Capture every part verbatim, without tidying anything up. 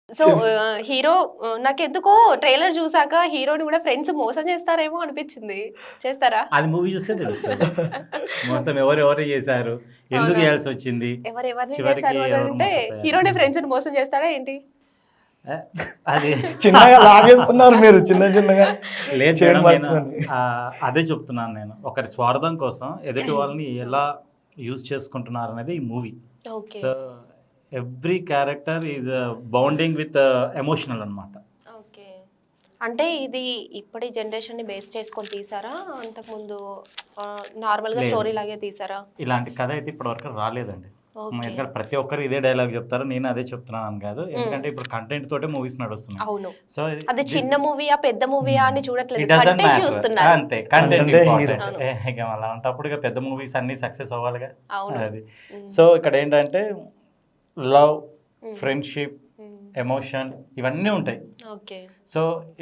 So hero నాకెందుకో trailer చూసాక హీరోని కూడా ఫ్రెండ్స్ మోసం చేస్తారేమో అనిపించింది. చేస్తారా? అది మూవీ చూస్తే తెలుస్తుంది మోసం ఎవరు ఎవరు చేశారు, ఎందుకు అవునా? చేయాల్సి వచ్చింది, ఎవరు ఎవరిని చివరికి చేశారు అని ఎవరు అంటే మోసపోయారు. హీరోని ఫ్రెండ్స్ మోసం చేస్తాడా ఏంటి? ఏ, అది చిన్నగా లాగేస్తున్నారు మీరు చిన్న చిన్నగా లేదు చేయడం మేడం, నేను పడుతుంది. ఆ, అదే చెప్తున్నాను. నేను ఒకరి స్వార్థం కోసం ఎదుటి వాళ్ళని ఎలా యూజ్ చేసుకుంటున్నారు అనేది ఈ movie. Okay so every character is bounding with emotional అన్నమాట. ఓకే అంటే ఇది ఇప్పటి జనరేషన్ ని బేస్ చేసుకొని తీసారా, అంతకుముందు నార్మల్ గా లేదు. స్టోరీ లాగే తీసారా? ఇలాంటి కథ అయితే ఇప్పటివరకు రాలేదండి. ఓకే. ఎందుకంటే ప్రతి ఒక్కరు ఇదే డైలాగ్ చెప్తారు, నేను అదే చెప్తున్నాను కాదు. ఎందుకంటే ఇప్పుడు కంటెంట్ తోటే మూవీస్ నడుస్తున్నాయి. అవును. సో అది చిన్న మూవీయా పెద్ద మూవీయా అని చూడట్లేదు, ఇట్ డజంట్ కంటెంట్ మ్యాటర్. చూస్తున్నారు. అంతే, content Content a important. hero. ఇక అలా ఉంటప్పుడు ఇక పెద్ద మూవీస్ అన్ని సక్సెస్ అవ్వాలిగా. అవును. అది సో ఇక్కడ ఏంటంటే love, Mm. Friendship, Mm. Emotion ఇవన్నీ ఉంటాయి. ఓకే సో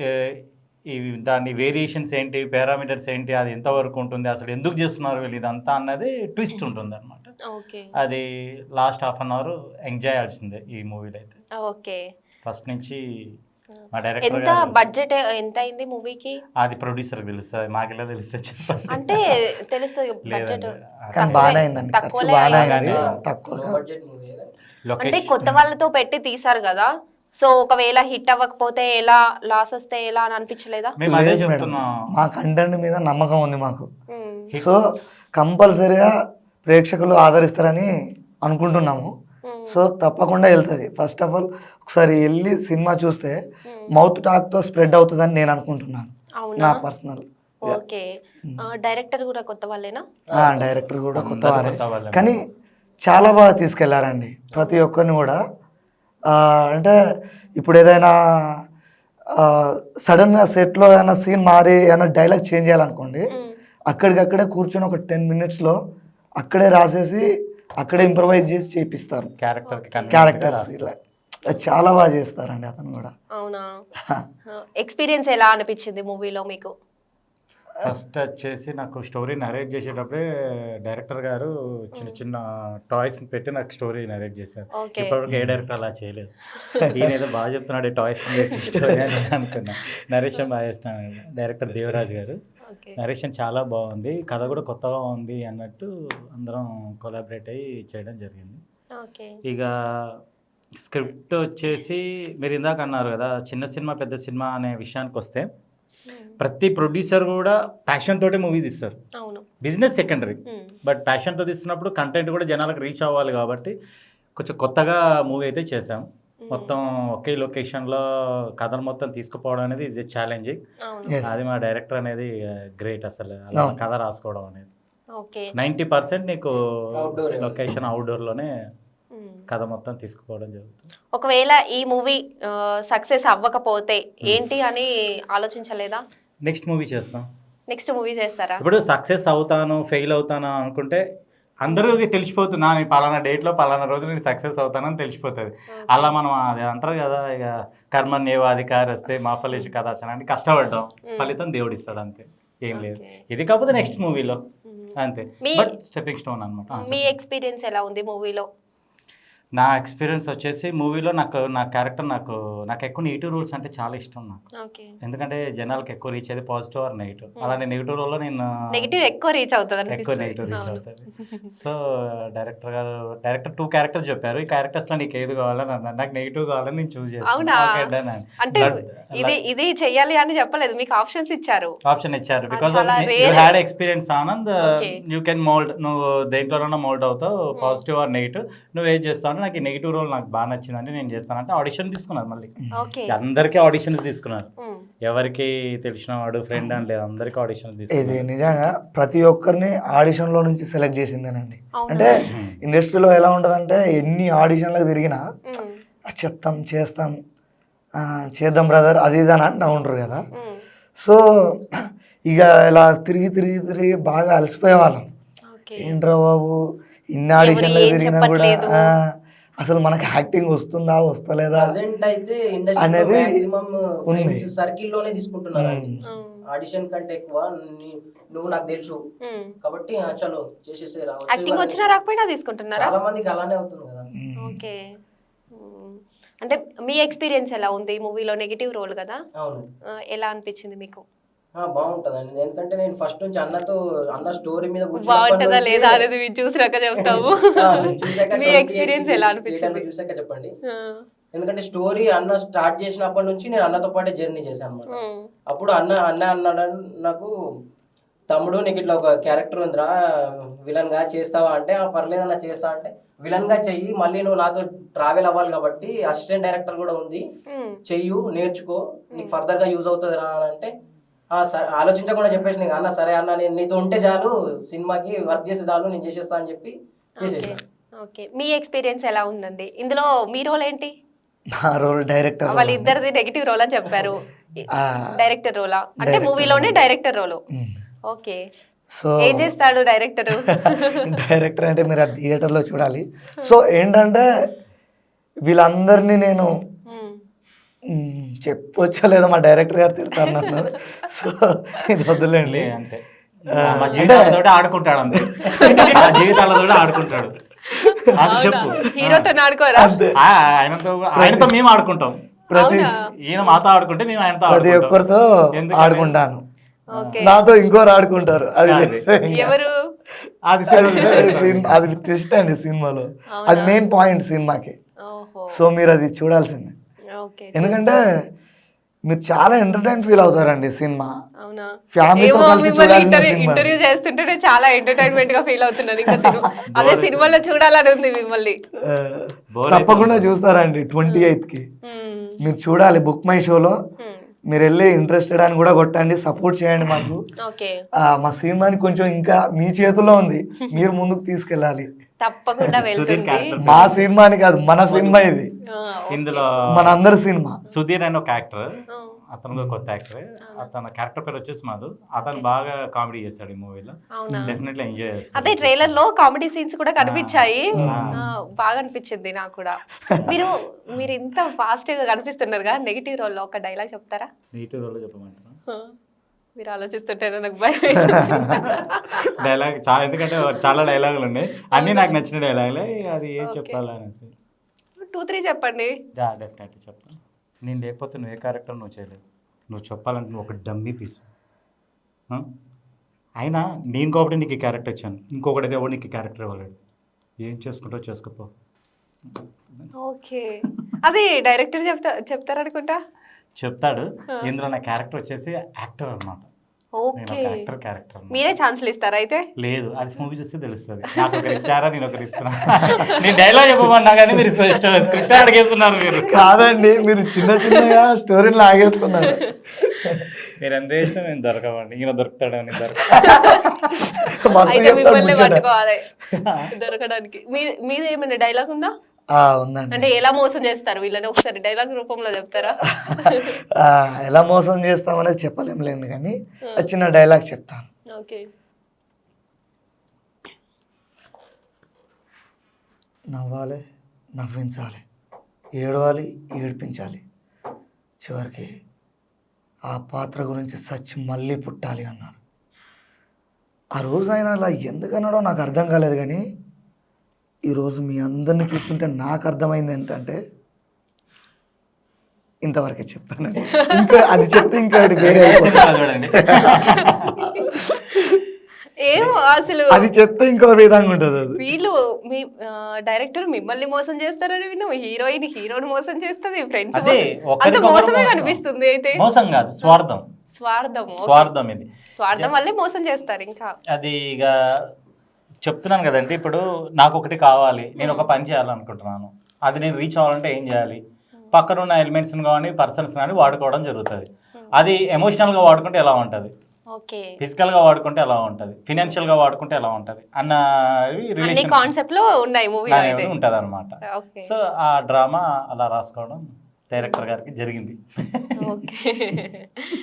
ఇవి దాని వేరియేషన్స్ ఏంటి, పారామీటర్స్ ఏంటి, అది ఎంతవరకు ఉంటుంది, అసలు ఎందుకు చేస్తున్నారు వీళ్ళు ఇదంతా అన్నది ట్విస్ట్ ఉంటుంది అనమాట. ఓకే అది last half an hour enjoy చేయాల్సిందే ఈ మూవీలో అయితే. ఓకే ఫస్ట్ నుంచి మా డైరెక్టర్ ఎంత గారు, బడ్జెట్ ఎంత అయింది మూవీకి? అది ప్రొడ్యూసర్ తెలుస్తుంది, మాకెలా తెలుస్తుంది చెప్పండి. అంటే తెలుస్తుంది బడ్జెట్. లేదండి, కానీ బాగానే అయిందండి, ఖర్చు తక్కువలే బాగానే అయింది. అయింది, తక్కువ అంటే లొకేషన్ కొత్త వాళ్ళతో పెట్టి తీసారు కదా, సో ఒకవేళ హిట్ అవ్వకపోతే ఎలా, లాస్ వస్తే ఎలా అని అనిపించలేదా? మేము అదే లేదు మేడం, చెప్తున్నాం. మా కంటెంట్ మీద నమ్మకం ఉంది మాకు. మ్మ్. సో కంపల్సరీగా ప్రేక్షకులు ఆదరిస్తారని అనుకుంటున్నాము. మ్మ్. సో తప్పకుండా వెళ్తుంది. ఫస్ట్ ఆఫ్ ఆల్ ఒకసారి వెళ్ళి సినిమా చూస్తే మ్మ్. మౌత్ టాక్తో స్ప్రెడ్ అవుతుందని నేను అనుకుంటున్నాను, నా అవునా? పర్సనల్. ఓకే. డైరెక్టర్ కూడా కొత్త వాళ్ళేనా? డైరెక్టర్ కూడా కొత్త అందరూ వారే, కొత్త వాళ్ళే. కానీ చాలా బాగా తీసుకెళ్లారండి ప్రతి ఒక్కరిని కూడా. ఆ, అంటే ఇప్పుడు ఏదైనా సడన్గా సెట్లో ఏదైనా సీన్ మారి ఏదైనా డైలాగ్ చేంజ్ చేయాలనుకోండి, మ్మ్. అక్కడికక్కడే కూర్చొని ఒక టెన్ మినిట్స్లో అక్కడే రాసేసి అక్కడే ఇంప్రవైజ్ చేసి చేపిస్తారు క్యారెక్టర్ క్యారెక్టర్స్. ఇలా చాలా బాగా చేస్తారండి అతను కూడా. అవునా? ఎక్స్పీరియన్స్ ఎలా అనిపించింది మూవీలో మీకు? ఫస్ట్ వచ్చేసి నాకు స్టోరీ నరేట్ చేసేటప్పుడే డైరెక్టర్ గారు చిన్న చిన్న టాయ్స్ పెట్టి నాకు స్టోరీ నరేట్ చేశారు. ఓకే. ఇప్పటివరకు ఏ డైరెక్టర్ అలా చేయలేదు. ఈయన ఏదో బాగా చెప్తున్నాడు టాయ్స్ పెట్టి స్టోరీ అని అనుకున్నా. నరేషన్ బాగా చేస్తున్నాడు డైరెక్టర్ దేవరాజ్ గారు. ఓకే. నరేషన్ చాలా బాగుంది, కథ కూడా కొత్తగా ఉంది అన్నట్టు అందరం కొలాబరేట్ అయ్యి చేయడం జరిగింది. ఓకే. ఇక స్క్రిప్ట్ వచ్చేసి మీరు ఇందాక అన్నారు కదా చిన్న సినిమా పెద్ద సినిమా అనే విషయానికి వస్తే, మ్మ్. ప్రతి ప్రొడ్యూసర్ కూడా ప్యాషన్ తోటే మూవీస్ ఇస్తారు. అవును. Business secondary, hmm. బట్ ప్యాషన్తో తీస్తున్నప్పుడు కంటెంట్ కూడా జనాలకు రీచ్ అవ్వాలి కాబట్టి కొంచెం కొత్తగా మూవీ అయితే చేసాం. మొత్తం ఒకే లొకేషన్లో కథను మొత్తం తీసుకుపోవడం అనేది ఈజ్ ఎ ఛాలెంజింగ్. అవును. Yes. అది మా డైరెక్టర్ అనేది గ్రేట్ అసలు, అలా అవును. కథ రాసుకోవడం అనేది. ఓకే. నైంటీ పర్సెంట్ నీకు Outdoor. లొకేషన్ అవుట్డోర్లోనే మ్మ్. కథ మొత్తం తీసుకుపోవడం జరుగుతుంది. ఒకవేళ ఈ మూవీ సక్సెస్ అవ్వకపోతే ఏంటి అని ఆలోచించలేదా? నెక్స్ట్ మూవీ చేస్తాం. నెక్స్ట్ మూవీ చేస్తారా? ఇప్పుడు సక్సెస్ అవుతాను ఫెయిల్ అవుతాను అనుకుంటే అందరికీ తెలిసిపోతుంది, నా నేను పలానా డేట్లో పలానా రోజు నేను సక్సెస్ అవుతానని తెలిసిపోతుంది. అలా మనం అది అంటారు కదా, ఇక కర్మణ్యేవాధికారి వస్తే మా ఫలిషు కదాచన అంటే కష్టపడ్డాం, ఫలితం దేవుడు ఇస్తాడు, అంతే, ఏం లేదు. Okay. ఇది కాకపోతే నెక్స్ట్ మూవీలో మ్మ్. అంతే, మీ- బట్ స్టెప్పింగ్ స్టోన్ అనమాట. మీ ఎక్స్పీరియన్స్ ఎలా ఉంది మూవీలో? నా ఎక్స్పీరియన్స్ వచ్చేసి మూవీలో నాకు నా క్యారెక్టర్ నాకు నాకు ఎక్కువ నెగిటివ్ రోల్స్ అంటే చాలా ఇష్టం నాకు. ఓకే. ఎందుకంటే జనాలకు ఎక్కువ రీచ్ అయ్యేది పాజిటివ్ ఆర్ నెగిటివ్. అలానే నెగిటివ్ రోల్లో నేను నెగిటివ్ ఎక్కువ రీచ్ అవుతుంది ఎక్కువ నెగిటివ్ రీచ్ అవుతుంది. సో డైరెక్టర్ గారు డైరెక్టర్ టూ క్యారెక్టర్స్ చెప్పారు, ఈ క్యారెక్టర్స్ లో నీకు ఏది కావాలని అన్నారు. నాకు నెగిటివ్ కావాలని నేను చూస్ అవునా? చేస్తాను. అంటే ఇది ఇది చెయ్యాలి అని చెప్పలేదు, మీకు ఆప్షన్స్ ఇచ్చారు. ఆప్షన్ ఇచ్చారు బికాస్ చాలా you rare. Had experience Anand, Okay. You can mould, నువ్వు దేంట్లోనైనా మోల్డ్ అవుతావు, పాజిటివ్ ఆర్ నెగిటివ్, నువ్వు ఏం చేస్తావు అంటే నాకు ఈ నెగిటివ్ రోల్ నాకు బాగా నచ్చిందంటే నేను చేస్తానంటే ఆడిషన్ తీసుకున్నారు. మళ్ళీ ఓకే. అందరికీ ఆడిషన్స్ తీసుకున్నారు, మ్మ్. ఎవరికి తెలిసిన వాడు ఫ్రెండ్ అని లేదు, అందరికీ ఆడిషన్స్ ఇది తీసుకున్నారు. నిజంగా ప్రతి ఒక్కరిని ఆడిషన్లో నుంచి సెలెక్ట్ చేసిందేనండి. అవునా? అంటే ఇండస్ట్రీలో ఎలా ఉంటుందంటే ఎన్ని ఆడిషన్లకు తిరిగినా మ్మ్. "ఆ, చెప్తాం చేస్తాం ఆ, చేద్దాం బ్రదర్ అది ఇది అని అంటూ ఉంటారు కదా. మ్మ్. సో ఇక ఇలా తిరిగి తిరిగి తిరిగి బాగా అలసిపోయేవాళ్ళం. ఓకే. ఏంట్రా బాబు ఇన్ని ఆడిషన్లకు ఏం తిరిగినా కూడా చెప్పట్లేదు. ఆ, అసలు మనకి యాక్టింగ్ వస్తుందా వస్తలేదా ప్రజెంట్ అయితే అనేది ఇండస్ట్రీ మాక్సిమం ఉంది. ఫ్రెండ్స్ సర్కిల్ లోనే తీసుకుంటున్నారు అండి. మ్మ్. మ్మ్. ఆడిషన్ కంటే ఎక్కువ నీ- నువ్వు నాకు తెలుసు మ్మ్. కాబట్టి ఆ, చలో చేసేసే రావచ్చు. యాక్టింగ్ వచ్చినా రాకపోయినా తీసుకుంటున్నారా? చాలా మందికి అలానే అవుతుంది కదా. మ్మ్. ఓకే. మ్మ్. అంటే మీ ఎక్స్పీరియన్స్ ఎలా ఉంది ఈ మూవీలో? నెగిటివ్ రోల్ కదా, అవును. ఆ, ఎలా అనిపించింది మీకు? ఆ, బాగుంటదండి. ఎందుకంటే నేను ఫస్ట్ నుంచి అన్నతో అన్న స్టోరీ మీద బాగుంటుందా లేదా అనేది మీరు చూసినాక చెప్తాము. మీ ఎక్స్పీరియన్స్ ఎలా అనిపించింది? చూసాక చెప్పండి. ఆ, ఎందుకంటే స్టోరీ అన్న స్టార్ట్ చేసినప్పటి నుంచి నేను అన్నతో పాటే జర్నీ చేశాను అనమాట. ఉమ్, అప్పుడు అన్న అన్న అన్నాడు నాకు, తమ్ముడు నీకు ఇట్లా ఒక క్యారెక్టర్ ఉందిరా విలన్ గా, చేస్తావా అంటే ఆ పర్లేదు అన్న చేస్తా అంటే, విలన్ గా చెయ్యి, మళ్ళీ నువ్వు నాతో ట్రావెల్ అవ్వాలి కాబట్టి అసిస్టెంట్ డైరెక్టర్ కూడా ఉంది, ఉమ్, చెయ్యు, నేర్చుకో, నీకు ఫర్దర్ గా యూజ్ అవుతుంది రా అని అంటే, ఆ సరే ఆలోచించకుండా చెప్పేసి నీకు అన్న సరే అన్న నేను నీతో ఉంటే చాలు, సినిమాకి వర్క్ చేస్తే చాలు, నేను చేసేస్తా అని చెప్పి చేసేసాను. ఓకే, మీ ఎక్స్పీరియన్స్ ఎలా ఉందండి ఇందులో? మీ రోల్ ఏంటి? నా రోల్ డైరెక్టర్ వాళ్ళ ఇద్దరిది నెగిటివ్ రోల్ అని చెప్పారు. డైరెక్టర్ రోలా? అంటే మూవీలోనే డైరెక్టర్ రోల్. ఓకే, సో ఏం చేస్తాడు డైరెక్టర్? డైరెక్టర్ అంటే మీరు ఆ థియేటర్లో చూడాలి. సో ఏంటంటే వీళ్ళందరినీ నేను మ్, చెప్పొచ్చో లేదో మా డైరెక్టర్ గారు తిడతారు నన్ను. సో ఇది వద్దులేండి. అంతే, మా జీవితాలతో ఆడుకుంటాడు, అంతే మా జీవితాలతో ఆడుకుంటాడు. అది చెప్పు. హీరోతో ఆడుకోరా? ఆ, ఆయనతో ఆయనతో మేము ఆడుకుంటాం. ప్రతి ఈయన మాతో ఆడుకుంటే మేము ఆయనతో ప్రతి ఆడుకుంటాం. ఒక్కరితో ఎందుకని? ఆడుకుంటాను. ఓకే, నాతో ఇంకోరు ఆడుకుంటారు. అది అది. ఎవరు? అది సినిమా అది ట్విస్ట్ అండి సినిమాలో. అది మెయిన్ పాయింట్ సినిమాకి. ఓహో, సో మీరు అది చూడాల్సిందే. ఓకే, ఎందుకంటే మీరు చాలా ఎంటర్టైన్ ఫీల్ అవుతారండి సినిమా. అవునా? ఫ్యామిలీతో ఏమో, కలిసి మిమ్మల్ని చూడాల్సిన ఇంటర్వ్యూ సినిమా. ఇంటర్వ్యూ చేస్తుంటేనే చాలా ఎంటర్టైన్మెంట్ గా ఫీల్ అవుతున్నాను. ఇంకా సినిమా అదే సినిమాలో చూడాలని ఉంది మిమ్మల్ని. ఆ, తప్పకుండా చూస్తారండి ట్వంటీ ఎయిత్ కి. మ్మ్. మీరు చూడాలి బుక్ మై షోలో. మ్మ్. మీరు వెళ్ళి ఇంట్రెస్టెడ్ అని కూడా కొట్టండి, సపోర్ట్ చేయండి మాకు. ఓకే, ఆ, మా సినిమాని కొంచెం ఇంకా మీ చేతుల్లో ఉంది, మీరు ముందుకు తీసుకెళ్ళాలి. తప్పకుండా సుధీర్ వెళ్తుంది. క్యారెక్టర్ మా సినిమాని కాదు, మన సినిమా ఇది, ఆ, ఇందులో మన అందరి సినిమా. సుధీర్ అని ఒక యాక్టర్, ఆ, అతను కూడా కొత్త యాక్టర్. అతను క్యారెక్టర్ పేరు వచ్చేసి మాధు. అతను బాగా కామెడీ చేస్తాడు ఈ మూవీలో. అవునా? డెఫినెట్లీ ఎంజాయ్ అదే చేస్తాడు. ట్రైలర్ లో కామెడీ సీన్స్ కూడా కనిపించాయి. ఆ. ఆ, బాగా అనిపించింది నాకు కూడా. మీరు మీరు ఇంత ఫాస్ట్ గా కనిపిస్తున్నారు కదా, నెగిటివ్ రోల్ లో ఒక డైలాగ్ చెప్తారా? నెగిటివ్ రోల్ చెప్పమంటారా? ఆ, మీరు ఆలోచిస్తుంటేనే నాకు భయం వేస్తుంది. డైలాగ్ చాలా, ఎందుకంటే చాలా డైలాగులు ఉన్నాయి, అన్నీ నాకు నచ్చిన డైలాగులే. అది ఏం Okay. చెప్పాలనేసి టూ త్రీ చెప్పండి. డెఫినెట్లీ చెప్తాను. నేను లేకపోతే నువ్వు ఏ క్యారెక్టర్ నువ్వు చేయలేవు. నువ్వు చెప్పాలంటే నువ్వు ఒక డమ్మీ పీస్. అయినా నేను కాబట్టి నీకు ఈ క్యారెక్టర్ ఇచ్చాను, ఇంకొకటి ఎవరు నీకు క్యారెక్టర్ ఇవ్వలేడు. ఏం చేసుకుంటావు చేసుకోపో. ఓకే, అది డైరెక్టర్ చెప్తా చెప్తారనుకుంటా. చెప్తాడు. ఇందులో నా క్యారెక్టర్ వచ్చేసి యాక్టర్ అనమాట. నేను ఓకే, ఒక యాక్టర్ క్యారెక్టర్. మీరే ఛాన్స్లు ఇస్తారా అయితే? లేదు, అది మూవీ చూస్తే తెలుస్తుంది. నాకు ఒకరు ఇచ్చారా, నేను ఒకరు ఇస్తున్నా. నేను డైలాగ్ చెప్పమన్నా కానీ మీరు స్క్రిప్ట్ అడిగేస్తున్నారు. మీరు కాదండి, మీరు చిన్న చిన్నగా స్టోరీని లాగేసుకున్నారు. మీరు ఎంత ఇష్టం, నేను దొరకవండి. ఈయన దొరుకుతాడు, నేను దొరక. మస్తు అయితే చెప్తాడు మిమ్మల్ని ముచ్చట. పట్టుకోవాలి దొరకడానికి. మీ మీది ఏమైనా డైలాగ్ ఉందా? ఆ, ఉందండి. అంటే ఎలా మోసం చేస్తారు వీళ్ళని, ఒకసారి డైలాగ్ రూపంలో చెప్తారా? ఆ, ఎలా మోసం చేస్తామనేది చెప్పలేములేండి, కానీ ఆ చిన్న డైలాగ్ చెప్తాను. ఓకే, నవ్వాలి, నవ్వించాలి, ఏడవాలి, ఏడిపించాలి, చివరికి ఆ పాత్ర గురించి సచ్చి మళ్ళీ పుట్టాలి అన్నాడు. ఆ రోజు ఆయన అలా ఎందుకన్నాడో నాకు అర్థం కాలేదు, కానీ ఈరోజు మీ అందరినీ చూస్తుంటే నాకు అర్థమైంది ఏంటంటే ఇంతవరకే చెప్తాను. ఇంకా అది చెప్తే ఇంకా వేరే అయిపోతుంది. చూడండి, ఏమో అసలు అది చెప్తే ఇంకో విధంగా ఉంటుంది అది. వీళ్ళు మీ డైరెక్టర్ మిమ్మల్ని మోసం చేస్తారని విన్నాం, హీరోయిన్ హీరోని మోసం చేస్తుంది, ఫ్రెండ్స్ అదే అంత ఒకరికొకరు మోసమే మోసం. కనిపిస్తుంది. అయితే మోసం కాదు, స్వార్థం. స్వార్థం. ఓకే. స్వార్థం ఇది. స్వార్థం వల్లే మోసం చేస్తారు. ఇంకా అది ఇక చెప్తున్నాను కదండి. ఇప్పుడు నాకు ఒకటి కావాలి, నేను ఒక పని చేయాలనుకుంటున్నాను, అది నేను రీచ్ అవ్వాలంటే ఏం చేయాలి? పక్కన ఉన్న ఎలిమెంట్స్ కానీ పర్సన్స్ కానీ వాడుకోవడం జరుగుతుంది. అది ఎమోషనల్గా వాడుకుంటే ఎలా ఉంటుంది, ఓకే, ఫిజికల్గా వాడుకుంటే ఎలా ఉంటుంది, ఫినాన్షియల్గా వాడుకుంటే ఎలా ఉంటుంది అన్న అన్ని రిలేషన్ కాన్సెప్ట్ లో ఉన్నాయి మూవీలో అయితే. ఉంటుంది అనమాట. ఓకే, సో ఆ డ్రామా అలా రాసుకోవడం డైరెక్టర్ గారికి జరిగింది. ఓకే.